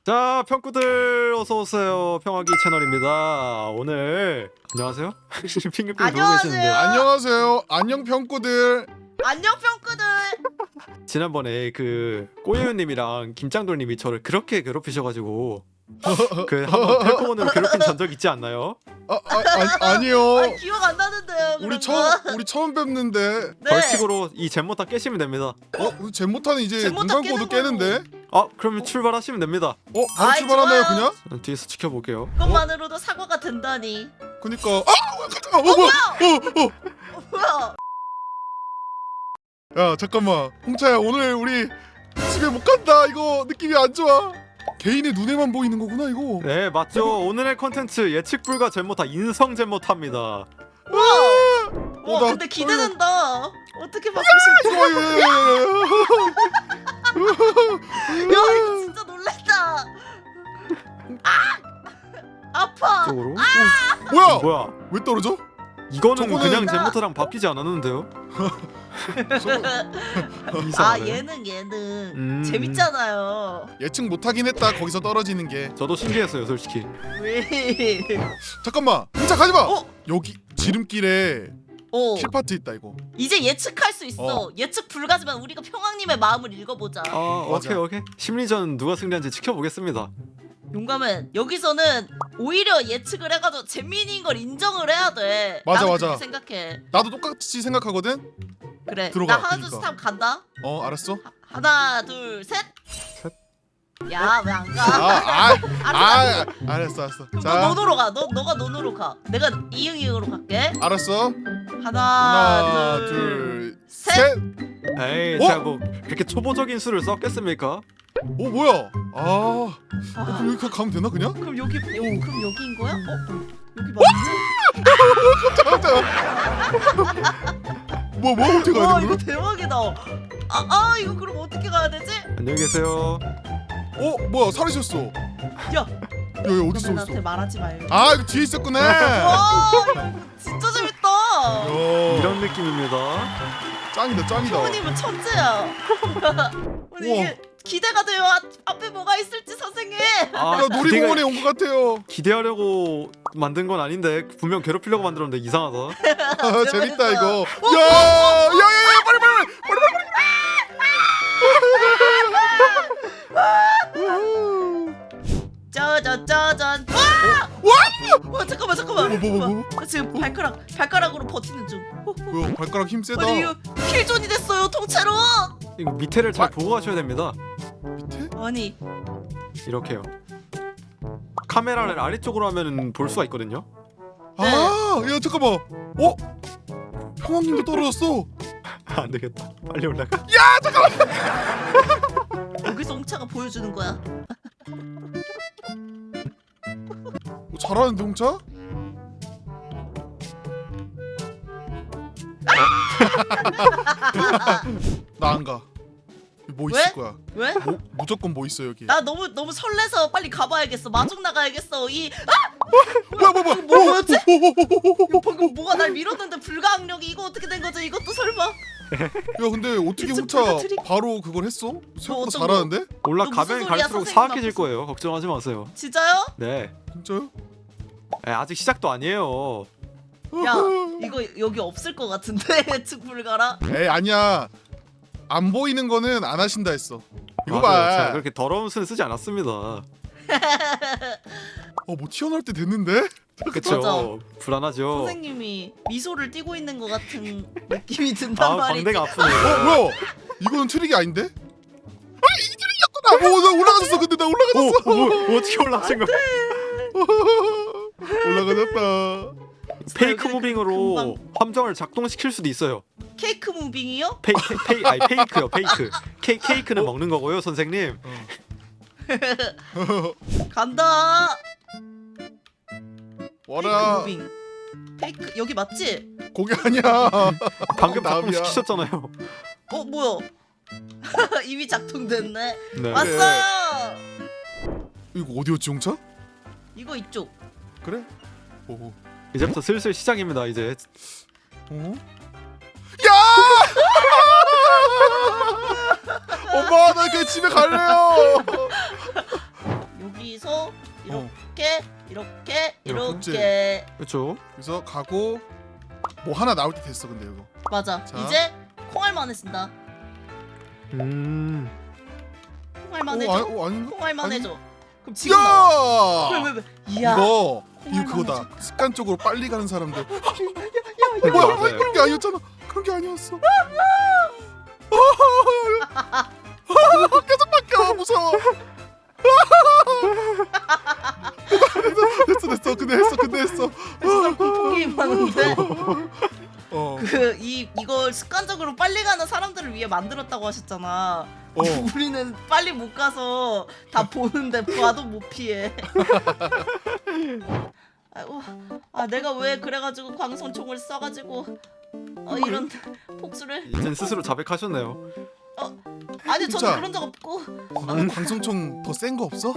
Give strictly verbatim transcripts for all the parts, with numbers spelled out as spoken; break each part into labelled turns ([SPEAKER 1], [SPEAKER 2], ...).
[SPEAKER 1] 자, 평구들 어서 오세요. 평화기 채널입니다. 오늘 안녕하세요. 핑크핑 보고 계시는데
[SPEAKER 2] 안녕하세요. 안녕 평구들.
[SPEAKER 3] 안녕 평구들.
[SPEAKER 1] 지난번에 그 꼬유님이랑 김짱돌님이 저를 그렇게 괴롭히셔가지고 그 한번 펠코몬으로 괴롭힌 전적 있지 않나요?
[SPEAKER 2] 아, 아, 아 아니요.
[SPEAKER 3] 아니, 기억 안 나는데요.
[SPEAKER 2] 우리
[SPEAKER 3] 그런
[SPEAKER 2] 처음
[SPEAKER 3] 거.
[SPEAKER 2] 우리 처음 뵙는데.
[SPEAKER 3] 네.
[SPEAKER 1] 벌칙으로 이 잼모타 깨시면 됩니다.
[SPEAKER 2] 어, 잼모타는 이제
[SPEAKER 3] 잼모타
[SPEAKER 2] 눈감고도
[SPEAKER 3] 깨는
[SPEAKER 2] 깨는데.
[SPEAKER 1] 아, 그러면 출발하시면 됩니다.
[SPEAKER 2] 어, 바로
[SPEAKER 3] 아이,
[SPEAKER 2] 출발하나요
[SPEAKER 3] 좋아요.
[SPEAKER 2] 그냥?
[SPEAKER 1] 전 뒤에서 지켜볼게요.
[SPEAKER 3] 그것만으로도 사과가 된다니.
[SPEAKER 2] 그니까. 아, 잠깐만. 어, 뭐야? 어, 어.
[SPEAKER 3] 어, 뭐야?
[SPEAKER 2] 야, 잠깐만. 홍차야, 오늘 우리 집에 못 간다. 이거 느낌이 안 좋아. 개인의 눈에만 보이는 거구나 이거.
[SPEAKER 1] 네, 맞죠. 오늘의 컨텐츠 예측 불가 잼모타 인성 잼모타입니다.
[SPEAKER 3] 와.
[SPEAKER 2] 어,
[SPEAKER 3] 와
[SPEAKER 2] 나
[SPEAKER 3] 근데 기대된다. 어떻게 바꾸실지.
[SPEAKER 2] 어, 예, 예, 예.
[SPEAKER 3] 야 이거 진짜 놀랬다. 아 아파.
[SPEAKER 1] 쪽으로.
[SPEAKER 2] 뭐야?
[SPEAKER 1] 뭐야?
[SPEAKER 2] 왜 떨어져?
[SPEAKER 1] 이거는
[SPEAKER 2] 저거는-
[SPEAKER 1] 그냥 잼모타랑 바뀌지 않았는데요?
[SPEAKER 3] 아
[SPEAKER 1] 이상하네.
[SPEAKER 3] 얘는 얘는
[SPEAKER 1] 음.
[SPEAKER 3] 재밌잖아요.
[SPEAKER 2] 예측 못하긴 했다. 거기서 떨어지는 게.
[SPEAKER 1] 저도 신기했어요, 솔직히.
[SPEAKER 3] 왜?
[SPEAKER 2] 잠깐만. 홍차 가지 마.
[SPEAKER 3] 어?
[SPEAKER 2] 여기 지름길에
[SPEAKER 3] 어.
[SPEAKER 2] 킬파트 있다 이거.
[SPEAKER 3] 이제 예측할 수 있어.
[SPEAKER 2] 어.
[SPEAKER 3] 예측 불가지만 우리가 평왕님의 마음을 읽어보자.
[SPEAKER 1] 아,
[SPEAKER 2] 맞아.
[SPEAKER 1] 오케이 오케이. 심리전 누가 승리한지 지켜보겠습니다.
[SPEAKER 3] 용감은 여기서는 오히려 예측을 해가지고 재민인 걸 인정을 해야 돼.
[SPEAKER 2] 맞아,
[SPEAKER 3] 나는
[SPEAKER 2] 맞아.
[SPEAKER 3] 그렇게 생각해.
[SPEAKER 2] 나도 똑같이 생각하거든.
[SPEAKER 3] 그래.
[SPEAKER 2] 들어가,
[SPEAKER 3] 나 하나 둘 셋
[SPEAKER 2] 그러니까.
[SPEAKER 3] 하면 간다.
[SPEAKER 2] 어, 알았어.
[SPEAKER 3] 하나 둘 셋.
[SPEAKER 1] 셋.
[SPEAKER 3] 야 왜 안 가?
[SPEAKER 2] 아, 아,
[SPEAKER 3] 알았어.
[SPEAKER 2] 아, 알았어, 알았어.
[SPEAKER 3] 그럼 너
[SPEAKER 2] 자,
[SPEAKER 3] 논으로 가. 너 너가 논으로 가. 내가 이응 이응으로 갈게.
[SPEAKER 2] 알았어.
[SPEAKER 3] 하나,
[SPEAKER 2] 하나,
[SPEAKER 3] 둘,
[SPEAKER 2] 둘,
[SPEAKER 3] 셋.
[SPEAKER 2] 셋.
[SPEAKER 1] 에이,
[SPEAKER 2] 어?
[SPEAKER 1] 제가 뭐 그렇게 초보적인 수를 썼겠습니까?
[SPEAKER 2] 어, 뭐야? 아, 어,
[SPEAKER 3] 아,
[SPEAKER 2] 그럼 여기 가면 되나 그냥?
[SPEAKER 3] 그럼 여기 여, 그럼 여기인 거야? 어? 여기 맞지?
[SPEAKER 2] 뭐, 뭐 어떻게
[SPEAKER 3] 와
[SPEAKER 2] 가야
[SPEAKER 3] 이거
[SPEAKER 2] 되는
[SPEAKER 3] 대박이다. 아, 아 이거 그럼 어떻게 가야 되지?
[SPEAKER 1] 안녕히 계세요.
[SPEAKER 2] 어, 뭐야? 사라졌어.
[SPEAKER 3] 야,
[SPEAKER 2] 여기 어디 있어?
[SPEAKER 3] 나한테
[SPEAKER 2] 있어?
[SPEAKER 3] 말하지 말고.
[SPEAKER 2] 아, 이거 뒤에 있었구나.
[SPEAKER 3] 와, 이거 진짜 재밌다.
[SPEAKER 2] 야,
[SPEAKER 1] 이런 느낌입니다.
[SPEAKER 2] 짱이다, 짱이다.
[SPEAKER 3] 효우님은 천재야. 아니, 이게 기대가 돼요. 아, 앞에 뭐가 있을지 선생님.
[SPEAKER 1] 아,
[SPEAKER 2] 야, 놀이공원에
[SPEAKER 1] 기대가-
[SPEAKER 2] 온 것 같아요.
[SPEAKER 1] 기대하려고 만든 건 아닌데 분명 괴롭히려고 만들었는데 이상하다.
[SPEAKER 2] 아, 재밌다 이거. 야, 야, 야, 야, 빨리, 빨리, 빨리, 빨리, 빨리.
[SPEAKER 3] 짜잔 짜잔. 와!
[SPEAKER 2] 와!
[SPEAKER 3] 와 잠깐만 잠깐만.
[SPEAKER 2] 뭐, 뭐, 뭐, 뭐?
[SPEAKER 3] 나 지금 발가락 발가락으로 버티는 중. 어,
[SPEAKER 2] 뭐야? 발가락 힘 세다.
[SPEAKER 3] 아니 이거 킬존이 됐어요 통째로.
[SPEAKER 1] 이거 밑에를 잘
[SPEAKER 2] 아.
[SPEAKER 1] 보고 가셔야 됩니다.
[SPEAKER 2] 밑에?
[SPEAKER 3] 아니
[SPEAKER 1] 이렇게요. 카메라를 아래쪽으로 하면 볼 수가 있거든요.
[SPEAKER 2] 아, 야, 잠깐만. 어? 평왕님도 떨어졌어.
[SPEAKER 1] 안 되겠다. 빨리 올라가.
[SPEAKER 3] 여기서 홍차가 보여주는 거야.
[SPEAKER 2] 어, 잘하는데 홍차? 나 안 가. 뭐
[SPEAKER 3] 왜?
[SPEAKER 2] 있을 거야?
[SPEAKER 3] 왜?
[SPEAKER 2] 뭐, 무조건 뭐 있어 여기.
[SPEAKER 3] 나 너무 너무 설레서 빨리 가봐야겠어. 마중 나가야겠어. 이
[SPEAKER 2] 뭐야, 뭐야, 뭐야?
[SPEAKER 3] 이거 뭐였지? 이거 방금 뭐가 날 밀었는데 불가항력이 이거 어떻게 된 거지? 이것도 설마?
[SPEAKER 2] 야, 근데 어떻게
[SPEAKER 3] 진짜
[SPEAKER 2] 홍차
[SPEAKER 3] 불가트리-
[SPEAKER 2] 바로 그걸 했어?
[SPEAKER 3] 뭐
[SPEAKER 2] 생각보다
[SPEAKER 3] 어떤
[SPEAKER 2] 잘하는데?
[SPEAKER 3] 너
[SPEAKER 1] 올라가면
[SPEAKER 3] 무슨 소리야,
[SPEAKER 1] 갈수록
[SPEAKER 3] 선생님
[SPEAKER 1] 사악해질
[SPEAKER 3] 앞에서.
[SPEAKER 1] 거예요. 걱정하지 마세요.
[SPEAKER 3] 진짜요?
[SPEAKER 1] 네.
[SPEAKER 2] 진짜요?
[SPEAKER 1] 에, 아직 시작도 아니에요.
[SPEAKER 3] 야 이거 여기 없을 것 같은데 예측 불가라.
[SPEAKER 2] 에이, 아니야. 안 보이는 거는 안 하신다 했어. 이거
[SPEAKER 1] 맞아요. 제가
[SPEAKER 2] 봐.
[SPEAKER 1] 그렇게 더러운 수는 쓰지 않았습니다.
[SPEAKER 2] 어, 뭐 튀어나올 때 됐는데?
[SPEAKER 1] 그쵸?
[SPEAKER 3] 맞아.
[SPEAKER 1] 불안하죠.
[SPEAKER 3] 선생님이 미소를 띠고 있는 것 같은 느낌이 든단
[SPEAKER 1] 아,
[SPEAKER 3] 말이지.
[SPEAKER 1] 광대가
[SPEAKER 2] 어,
[SPEAKER 1] 아프네요.
[SPEAKER 2] 뭐야? 이거는 트릭이 아닌데? 아, 이게 트릭이었구나. 오, 나 올라가졌어. 근데 나
[SPEAKER 1] 오,
[SPEAKER 2] 올라가졌어.
[SPEAKER 1] 오, 뭐, 어떻게 올라가신 거야?
[SPEAKER 2] 올라가졌다.
[SPEAKER 1] 페이크
[SPEAKER 3] 여기는
[SPEAKER 1] 무빙으로
[SPEAKER 3] 금방-
[SPEAKER 1] 함정을 작동시킬 수도 있어요.
[SPEAKER 3] 케이크 무빙이요?
[SPEAKER 1] 페이, 페이, 페이, 아니 페이크요, 페이크. 케, 케이크는 먹는 거고요, 선생님.
[SPEAKER 3] 간다.
[SPEAKER 2] 와라.
[SPEAKER 3] 페이크 무빙. 페이크 여기 맞지?
[SPEAKER 2] 거기 아니야.
[SPEAKER 1] 방금
[SPEAKER 2] 남이야.
[SPEAKER 1] 작동시키셨잖아요.
[SPEAKER 3] 어 뭐야? 이미 작동됐네.
[SPEAKER 1] 네.
[SPEAKER 3] 왔어요.
[SPEAKER 2] 이거 어디였지, 홍차?
[SPEAKER 3] 이거 이쪽.
[SPEAKER 2] 그래? 오.
[SPEAKER 1] 이제부터 슬슬 시작입니다. 이제
[SPEAKER 2] 어? 야! 엄마, 나 그냥 집에 갈래요.
[SPEAKER 3] 여기서 이렇게 이렇게
[SPEAKER 2] 이렇게.
[SPEAKER 3] 이렇게
[SPEAKER 1] 그렇죠.
[SPEAKER 2] 그래서 가고 뭐 하나 나올 때 됐어 근데 이거.
[SPEAKER 3] 맞아.
[SPEAKER 2] 자.
[SPEAKER 3] 이제 콩알만 해준다.
[SPEAKER 1] 음.
[SPEAKER 3] 콩알만
[SPEAKER 2] 오,
[SPEAKER 3] 해줘.
[SPEAKER 2] 아, 오, 아닌가?
[SPEAKER 3] 콩알만
[SPEAKER 2] 아니.
[SPEAKER 3] 해줘. 그럼 지금 나와. 왜,
[SPEAKER 2] 야!
[SPEAKER 3] 왜, 왜? 이야.
[SPEAKER 2] 이거 이거
[SPEAKER 3] 콩알만
[SPEAKER 2] 그거다. 습관적으로 빨리 가는 사람들.
[SPEAKER 1] 이거
[SPEAKER 2] 뭐야?
[SPEAKER 1] 맞아요.
[SPEAKER 2] 그런 게 아니었잖아. 그런 게 아니었어. 계속 바뀌어. 무서워. 됐어 됐어. 근데 했어 근데 했어.
[SPEAKER 3] 진짜 공포 많은데.
[SPEAKER 2] 어.
[SPEAKER 3] 그 이 이걸 습관적으로 빨리 가는 사람들을 위해 만들었다고 하셨잖아.
[SPEAKER 2] 어.
[SPEAKER 3] 우리는 빨리 못 가서 다 보는데 봐도 못 피해. 아이고, 아 내가 왜 그래가지고 광선총을 써가지고 어, 이런 복수를?
[SPEAKER 1] 이젠 스스로 자백하셨네요.
[SPEAKER 3] 아니 저는
[SPEAKER 2] 진짜.
[SPEAKER 3] 그런 적 없고.
[SPEAKER 2] 아, 광성총 더 센 거 없어?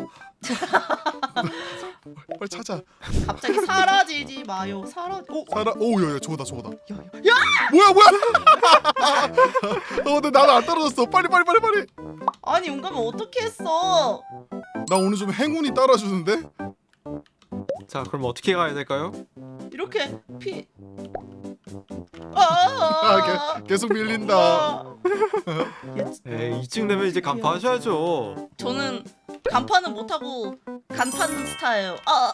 [SPEAKER 2] 빨리 찾아.
[SPEAKER 3] 갑자기 사라지지 마요. 사라. 오,
[SPEAKER 2] 살아. 오, 야야 저거다 저거다.
[SPEAKER 3] 야, 야, 야!
[SPEAKER 2] 뭐야 뭐야? 어, 근데 나는 안 떨어졌어. 빨리 빨리 빨리 빨리.
[SPEAKER 3] 아니 용감은 어떻게 했어?
[SPEAKER 2] 나 오늘 좀 행운이 따라주는데.
[SPEAKER 1] 자, 그럼 어떻게 가야 될까요?
[SPEAKER 3] 이렇게 피.
[SPEAKER 2] 아,
[SPEAKER 3] 아,
[SPEAKER 2] 개, 계속 밀린다.
[SPEAKER 3] 아.
[SPEAKER 1] 에이, 이쯤 되면 이제 간파하셔야죠.
[SPEAKER 3] 저는 간판은 못하고 간판 스타예요. 아,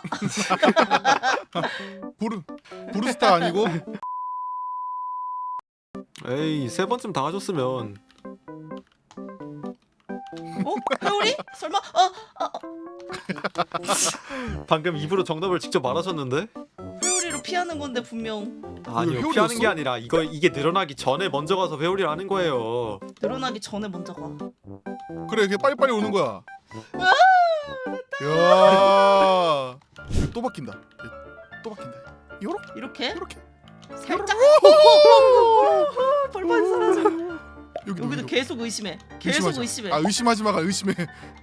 [SPEAKER 2] 부르 부르스타 아니고?
[SPEAKER 1] 에이, 세 번쯤 당하셨으면
[SPEAKER 3] 어? 회오리? 설마? 어, 어, 어.
[SPEAKER 1] 방금 입으로 정답을 직접 말하셨는데?
[SPEAKER 3] 회오리로 피하는 건데 분명
[SPEAKER 1] 아니요,
[SPEAKER 2] 회오리였어?
[SPEAKER 1] 피하는 게 아니라 이거 이게 늘어나기 전에 먼저 가서 회오리를 하는 거예요.
[SPEAKER 3] 늘어나기 전에 먼저 가.
[SPEAKER 2] 그래, 걔 빨리 빨리 오는 거야. 야, 또 바뀐다. 또 바뀐다. 요렇게
[SPEAKER 3] 이렇게
[SPEAKER 2] 요렇게.
[SPEAKER 3] 살짝. 벌벌 사라져.
[SPEAKER 2] 여기도
[SPEAKER 3] 여기도
[SPEAKER 2] 여기도.
[SPEAKER 3] 계속 의심해. 계속
[SPEAKER 2] 의심하지 마.
[SPEAKER 3] 의심해.
[SPEAKER 2] 아, 의심하지 마가 의심해.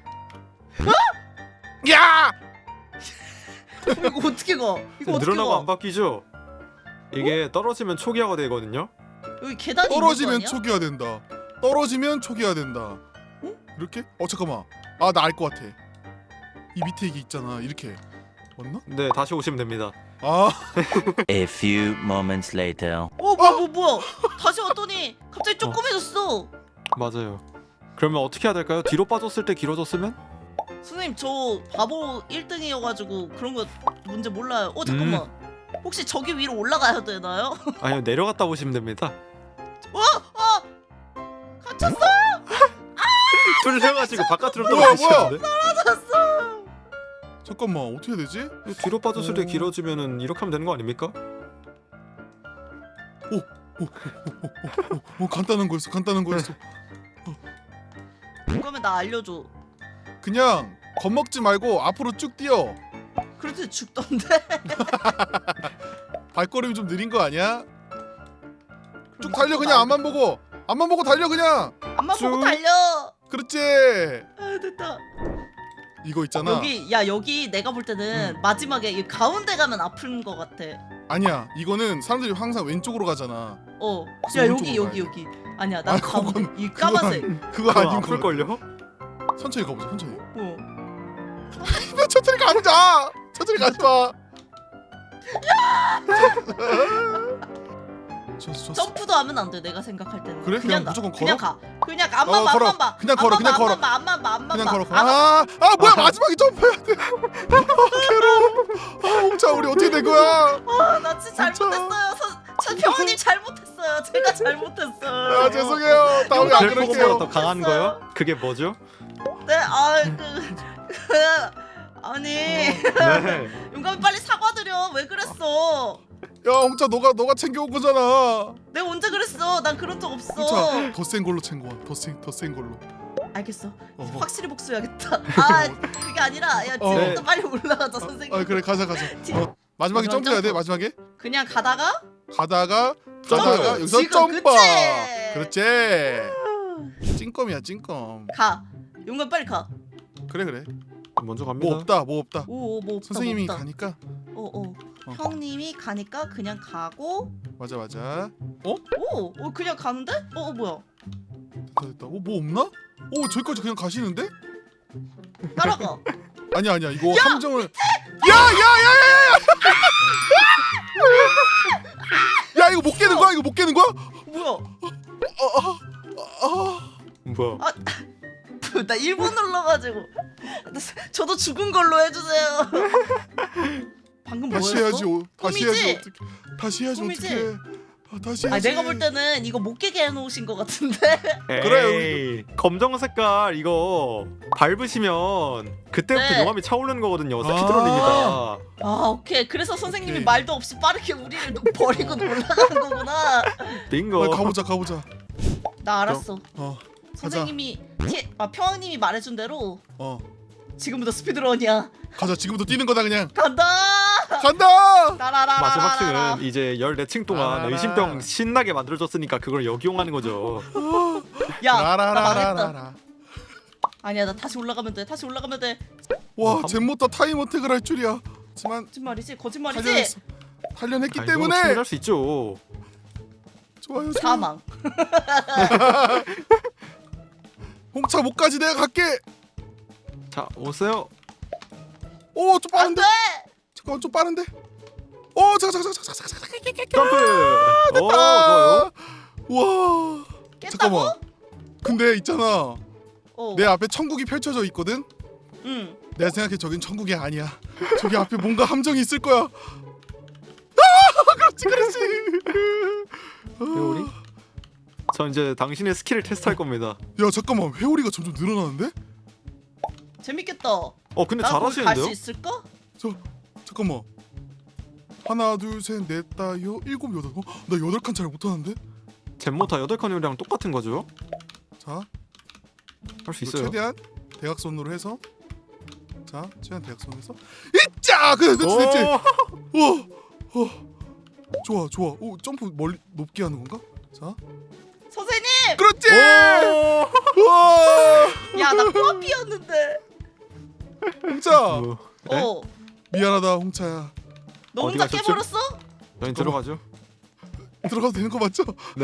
[SPEAKER 2] 야!
[SPEAKER 3] 이거 어떻게 가? 이거 어떻게
[SPEAKER 1] 늘어나고
[SPEAKER 3] 가?
[SPEAKER 1] 안 바뀌죠? 이게 떨어지면 초기화가 되거든요.
[SPEAKER 3] 여기 계단이
[SPEAKER 2] 떨어지면
[SPEAKER 3] 있는 거 아니야?
[SPEAKER 2] 초기화 된다. 떨어지면 초기화 된다.
[SPEAKER 3] 응?
[SPEAKER 2] 이렇게? 어 잠깐만. 아, 나 알 것 같아. 이 밑에 이게 있잖아. 이렇게. 맞나?
[SPEAKER 1] 네, 다시 오시면 됩니다.
[SPEAKER 2] 아,
[SPEAKER 4] A few moments later.
[SPEAKER 3] 어 뭐야 뭐 뭐야? 다시 왔더니 갑자기
[SPEAKER 1] 어.
[SPEAKER 3] 조그매졌어.
[SPEAKER 1] 맞아요. 그러면 어떻게 해야 될까요? 뒤로 빠졌을 때 길어졌으면?
[SPEAKER 3] 선생님 저 바보 일 등이어가지고 그런 거 문제 몰라요. 어 잠깐만.
[SPEAKER 2] 음.
[SPEAKER 3] 혹시 저기 위로 올라가야 되나요?
[SPEAKER 1] 아니요, 내려갔다 오시면 됩니다.
[SPEAKER 3] 어! 어! 갇혔어!
[SPEAKER 1] 뚫려가지고 바깥으로
[SPEAKER 2] 뭐야,
[SPEAKER 1] 떨어지시는데?
[SPEAKER 3] 갇혔어!
[SPEAKER 2] 잠깐만. 어떻게 해야 되지?
[SPEAKER 1] 뒤로 빠졌을 때
[SPEAKER 2] 어.
[SPEAKER 1] 길어지면은 이렇게 하면 되는 거 아닙니까?
[SPEAKER 2] 어, 간단한 거였어. 간단한 거였어.
[SPEAKER 3] 그러면 나 알려줘.
[SPEAKER 2] 그냥 겁먹지 말고 앞으로 쭉 뛰어.
[SPEAKER 3] 그래도 죽던데?
[SPEAKER 2] 발걸음이 좀 느린 거 아니야? 쭉 달려 그냥. 앞만 보고. 앞만 보고 달려 그냥.
[SPEAKER 3] 앞만 보고
[SPEAKER 1] 쭉.
[SPEAKER 3] 달려!
[SPEAKER 2] 그렇지.
[SPEAKER 3] 아 됐다.
[SPEAKER 2] 이거 있잖아.
[SPEAKER 3] 여기 야 여기 내가 볼 때는
[SPEAKER 2] 음.
[SPEAKER 3] 마지막에 이 가운데 가면 아픈 거 같아.
[SPEAKER 2] 아니야. 이거는 사람들이 항상 왼쪽으로 가잖아.
[SPEAKER 3] 어.
[SPEAKER 2] 그래서
[SPEAKER 3] 야 여기
[SPEAKER 2] 오른쪽으로
[SPEAKER 3] 여기
[SPEAKER 2] 가야
[SPEAKER 3] 여기. 아니야 나
[SPEAKER 2] 아,
[SPEAKER 3] 가운데.
[SPEAKER 2] 그건-
[SPEAKER 3] 이
[SPEAKER 2] 그건-
[SPEAKER 3] 까만색.
[SPEAKER 2] 그거
[SPEAKER 1] 그거
[SPEAKER 2] 아닌 거.
[SPEAKER 1] 아플걸요?
[SPEAKER 2] 천천히 가보자. 천천히.
[SPEAKER 3] 어.
[SPEAKER 2] 천천히 가보자. 천천히 가지 마. 좋았어, 좋았어.
[SPEAKER 3] 점프도 하면 안 돼. 내가 생각할 때는.
[SPEAKER 2] 그래? 그냥
[SPEAKER 3] 가.
[SPEAKER 2] 무조건
[SPEAKER 3] 그냥
[SPEAKER 2] 걸어?
[SPEAKER 3] 가. 그냥 가. 앞만
[SPEAKER 2] 어,
[SPEAKER 3] 봐.
[SPEAKER 2] 걸어.
[SPEAKER 3] 앞만 봐.
[SPEAKER 2] 그냥 걸어,
[SPEAKER 3] 앞만
[SPEAKER 2] 그냥
[SPEAKER 3] 봐,
[SPEAKER 2] 걸어.
[SPEAKER 3] 앞만 봐. 앞만 봐. 앞만
[SPEAKER 2] 그냥
[SPEAKER 3] 봐.
[SPEAKER 2] 걸어.
[SPEAKER 3] 앞-
[SPEAKER 2] 아, 아 뭐야
[SPEAKER 1] 아.
[SPEAKER 2] 마지막에 점프해야 돼. 아, 괴로워. 아, 홍차 우리 어떻게 된 거야?
[SPEAKER 3] 아, 나 진짜
[SPEAKER 2] 진짜.
[SPEAKER 3] 잘못했어요. 서, 저 병원님 잘못했어요. 제가 잘못했어요.
[SPEAKER 2] 아, 죄송해요. 다음에 안
[SPEAKER 1] 벨포보다
[SPEAKER 2] 그럴게요.
[SPEAKER 1] 더 강한 거요? 그게 뭐죠?
[SPEAKER 3] 네, 아, 그, 그 아니,
[SPEAKER 1] 네.
[SPEAKER 3] 용감이 빨리 사과드려. 왜 그랬어?
[SPEAKER 2] 야, 홍차 너가 너가 챙겨온 거잖아.
[SPEAKER 3] 내가 언제 그랬어? 난 그런 적 없어.
[SPEAKER 2] 홍차 더 센 걸로 챙겨와. 더센더센 걸로.
[SPEAKER 3] 알겠어.
[SPEAKER 2] 어.
[SPEAKER 3] 확실히 복수해야겠다. 아, 그게 아니라, 야,
[SPEAKER 2] 어.
[SPEAKER 3] 지금부터 빨리 올라가자, 선생님.
[SPEAKER 2] 아, 그래 가자 가자.
[SPEAKER 3] 지-
[SPEAKER 2] 어, 마지막에
[SPEAKER 3] 이건
[SPEAKER 2] 점프해야 돼.
[SPEAKER 3] 점프.
[SPEAKER 2] 마지막에
[SPEAKER 3] 그냥 가다가
[SPEAKER 2] 가다가
[SPEAKER 1] 점프.
[SPEAKER 2] 가다가 여기서
[SPEAKER 3] 지금,
[SPEAKER 2] 점프.
[SPEAKER 3] 그치?
[SPEAKER 2] 그렇지. 찐껌이야 찐껌.
[SPEAKER 3] 가. 용감 빨리 가.
[SPEAKER 2] 그래 그래.
[SPEAKER 1] 먼저 갑니다.
[SPEAKER 2] 뭐 없다 뭐 없다.
[SPEAKER 3] 오, 뭐 없다,
[SPEAKER 2] 선생님이
[SPEAKER 3] 뭐 없다.
[SPEAKER 2] 가니까.
[SPEAKER 3] 어, 어.
[SPEAKER 2] 어.
[SPEAKER 3] 형님이 가니까 그냥 가고.
[SPEAKER 2] 맞아 맞아.
[SPEAKER 3] 오, 어, 그냥 가는데? 어, 어 뭐야?
[SPEAKER 2] 됐다 됐다. 어뭐 없나? 오 저기까지 그냥 가시는데?
[SPEAKER 3] 따라가.
[SPEAKER 2] 아니야 아니야 이거 함정을 야야야야야 야 이거 못 깨는 거야 이거 못 깨는 거야?
[SPEAKER 3] 뭐야?
[SPEAKER 2] 아
[SPEAKER 1] 뭐야?
[SPEAKER 3] 아, 나 일 번 눌러가지고. 저도 죽은 걸로 해주세요. 방금
[SPEAKER 2] 다시
[SPEAKER 3] 뭐였어?
[SPEAKER 2] 해야지 어, 다시 해야지
[SPEAKER 3] 꿈이지?
[SPEAKER 2] 어떻게 다시 해야지
[SPEAKER 3] 꿈이지?
[SPEAKER 2] 어떻게 아, 다시
[SPEAKER 3] 아
[SPEAKER 2] 해야지
[SPEAKER 3] 내가 볼 때는 이거 못 깨게 해놓으신 것 같은데.
[SPEAKER 1] 그래. 검정 색깔 이거 밟으시면 그때부터
[SPEAKER 3] 네.
[SPEAKER 1] 용암이 차오르는 거거든요.
[SPEAKER 2] 아.
[SPEAKER 1] 스피드런입니다.
[SPEAKER 3] 아 오케이. 그래서 선생님이
[SPEAKER 2] 오케이.
[SPEAKER 3] 말도 없이 빠르게 우리를 노- 버리고 올라가는 거구나.
[SPEAKER 1] 빙고.
[SPEAKER 2] 아, 가보자 가보자
[SPEAKER 3] 나 알았어.
[SPEAKER 2] 어
[SPEAKER 3] 선생님이 티, 아, 평왕님이 말해준 대로
[SPEAKER 2] 어
[SPEAKER 3] 지금부터 스피드런이야.
[SPEAKER 2] 가자 지금부터 뛰는 거다 그냥
[SPEAKER 3] 간다.
[SPEAKER 2] 간다
[SPEAKER 3] 나라라라라.
[SPEAKER 1] 마지막 층은 이제 열네 층 동안
[SPEAKER 2] 라라라.
[SPEAKER 1] 의심병 신나게 만들어줬으니까 그걸 역이용하는 거죠.
[SPEAKER 3] 야, 나 망했다.
[SPEAKER 2] 라라라라라
[SPEAKER 3] 아니야, 나 다시 올라가면 돼. 다시 올라가면 돼.
[SPEAKER 2] 와 젠모타 타임 어택을 할 줄이야 하지만
[SPEAKER 3] 거짓말이지, 거짓말이지.
[SPEAKER 2] 단련했어 단련했기
[SPEAKER 1] 아, 이거
[SPEAKER 2] 때문에
[SPEAKER 1] 충분히 할 수 있죠.
[SPEAKER 2] 좋아요 좋아요
[SPEAKER 3] 사망.
[SPEAKER 2] 홍차 못 가지 내가 갈게
[SPEAKER 1] 자 오세요.
[SPEAKER 2] 오좀
[SPEAKER 3] 안
[SPEAKER 2] 빠른데
[SPEAKER 3] 돼.
[SPEAKER 2] 잠깐만 좀 빠른데 오 잠깐 잠깐 잠깐 잠깐 잠깐
[SPEAKER 1] 점프. 오 좋아요.
[SPEAKER 2] 와
[SPEAKER 3] 깼다고?
[SPEAKER 2] 잠깐만 근데 있잖아
[SPEAKER 3] 어.
[SPEAKER 2] 내 앞에 천국이 펼쳐져 있거든
[SPEAKER 3] 응.
[SPEAKER 2] 내가 생각해 저긴 천국이 아니야 저기 앞에 뭔가 함정이 있을 거야 아 그렇지 그렇지
[SPEAKER 1] 회오리? 저 이제 당신의 스킬을 테스트할 겁니다.
[SPEAKER 2] 야 잠깐만 회오리가 점점 늘어나는데?
[SPEAKER 3] 재밌겠다.
[SPEAKER 1] 어 근데
[SPEAKER 3] 나 거기 갈 수
[SPEAKER 1] 잘하시는데요?
[SPEAKER 3] 있을까?
[SPEAKER 2] 저 잠깐만 하나 둘셋넷 다섯 일곱 여덟 어? 나 여덟 칸 잘 못하는데?
[SPEAKER 1] 젠모타 여덟 칸이랑 똑같은 거죠?
[SPEAKER 2] 자
[SPEAKER 1] 할 수
[SPEAKER 2] 이거
[SPEAKER 1] 있어요.
[SPEAKER 2] 최대한 대각선으로 해서 자 최대한 대각선으로 해서 이짜 그래 됐지 됐지
[SPEAKER 1] 오!
[SPEAKER 2] 어, 어. 좋아 좋아 오 점프 멀리 높게 하는 건가? 자
[SPEAKER 3] 선생님!
[SPEAKER 2] 그렇지
[SPEAKER 1] 오!
[SPEAKER 2] 우와
[SPEAKER 3] 야, 나 코앞이었는데.
[SPEAKER 2] 홍차
[SPEAKER 1] 뭐, 네?
[SPEAKER 3] 어.
[SPEAKER 2] 미안하다 홍차야
[SPEAKER 3] 너
[SPEAKER 1] 어디
[SPEAKER 3] 혼자
[SPEAKER 1] 가셨죠?
[SPEAKER 3] 깨버렸어?
[SPEAKER 1] 저희 들어가죠.
[SPEAKER 2] 들어가도 되는 거 맞죠?
[SPEAKER 1] 네.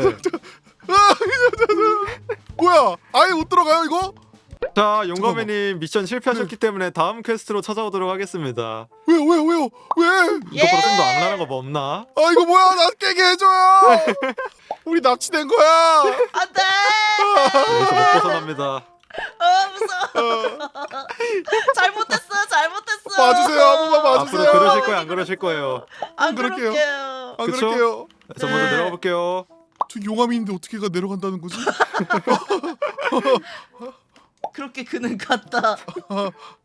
[SPEAKER 2] 뭐야 아예 못 들어가요 이거?
[SPEAKER 1] 자 용감해님 미션 실패하셨기 때문에 다음 퀘스트로 찾아오도록 하겠습니다.
[SPEAKER 2] 왜요 왜요 왜요 왜?
[SPEAKER 1] 이거보다 좀 더 악랄한 거 뭐 없나?
[SPEAKER 2] 아 이거 뭐야 나 깨게 해줘요 우리 납치된 거야
[SPEAKER 3] 안 돼!
[SPEAKER 1] 여기서 못 벗어납니다.
[SPEAKER 3] 아, 무서워.
[SPEAKER 2] 어,
[SPEAKER 3] 잘못했어, 잘못했어.
[SPEAKER 2] 봐주세요 한 번만 봐주세요
[SPEAKER 1] 앞으로 그러실 거예요 안 그러실 거예요?
[SPEAKER 3] 안
[SPEAKER 2] 그럴게요.
[SPEAKER 3] 그럴게요.
[SPEAKER 2] 안
[SPEAKER 1] 그쵸?
[SPEAKER 2] 그럴게요
[SPEAKER 1] 저 먼저
[SPEAKER 3] 네.
[SPEAKER 1] 내려가 볼게요.
[SPEAKER 2] 저 용암인데 어떻게 가 내려간다는 거지?
[SPEAKER 3] 그렇게 그는 같다.